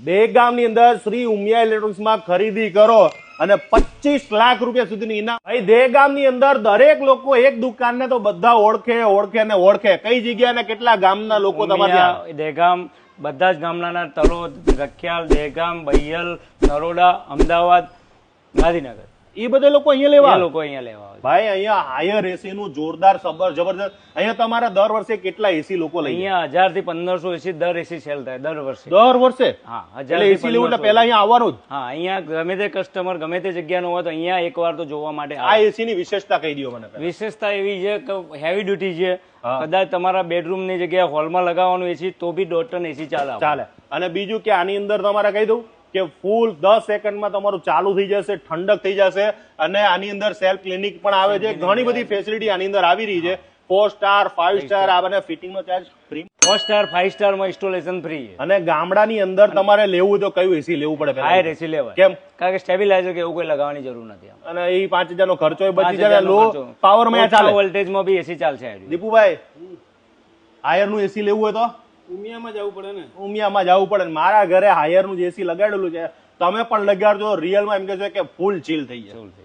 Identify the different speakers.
Speaker 1: દહેગામની અંદર શ્રી ઉમિયા ઇલેક્ટ્રોનિક્સમાં ખરીદી કરો અને 25 લાખ રૂપિયા સુધીની ઇનામ. ભાઈ દહેગામની અંદર દરેક લોકો એક દુકાનને તો બધા ઓળખે. કઈ જગ્યા ને કેટલા ગામના લોકો તમારે
Speaker 2: દહેગામ બધા જ ગામના તલોદ, રખિયાલ, દહેગામ, બૈયલ, નરોડા, અમદાવાદ, ગાંધીનગર
Speaker 1: એ બધા લોકો અહીંયા
Speaker 2: લેવા
Speaker 1: ભાઈ અહીંયા હાયર એસી નું જોરદાર જબરજસ્ત. અહીંયા તમારા દર વર્ષે કેટલા એસી લોકો લઈ?
Speaker 2: અહીંયા 1000 થી 1500 એસી દર એસી સેલ થાય દર વર્ષે.
Speaker 1: હા, એસી લેવું એટલે પહેલા અહીંયા આવવાનું જ.
Speaker 2: હા, અહીંયા ગમે તે કસ્ટમર ગમે તે જગ્યાનો હોય તો અહીંયા એકવાર તો જોવા માટે.
Speaker 1: આ એસી ની વિશેષતા કહી દો મને.
Speaker 2: વિશેષતા એવી છે કે હેવી ડ્યુટી છે. કદાચ તમારા બેડરૂમ ની જગ્યાએ હોલમાં લગાવવાનું એસી તો બી 1.5 ટન એસી ચાલે. અને બીજું કે આની અંદર તમારે કહી દઉં કે ફૂલ 10 સેકન્ડમાં તમારું ચાલુ થઈ જશે, ઠંડક થઈ જશે. અને આની અંદર સેલ્ફ ક્લિનિક પણ આવે છે. ઘણી બધી ફેસિલિટી આની અંદર આવી રહી છે. 4 સ્ટાર 5 સ્ટાર આ બને ફિટિંગ નો ચાર્જ ફ્રી. 4 સ્ટાર 5 સ્ટાર માં ઇન્સ્ટોલેશન ફ્રી.
Speaker 1: અને ગામડાની અંદર તમારે લેવું તો કયું એસી લેવું પડે?
Speaker 2: હાયર એસી લેવાય.
Speaker 1: કેમ?
Speaker 2: કારણ કે સ્ટેબિલાઇઝર કે એવું કોઈ લગાવવાની જરૂર નથી.
Speaker 1: અને એ 5000 નો ખર્ચો બચી જાય. લો પાવર માં ચાલે,
Speaker 2: વોલ્ટેજ માં બી એસી ચાલશે.
Speaker 1: દીપુભાઈ હાયર નું એસી લેવું હોય તો
Speaker 2: ઉમિયામાં જવું પડે ને.
Speaker 1: ઉમિયામાં જવું પડે. મારા ઘરે હાયર નું એસી લગાડેલું છે, તમે પણ લગાડજો. રિયલમાં એમ કે છે કે ફૂલ ચીલ થઈ જાય.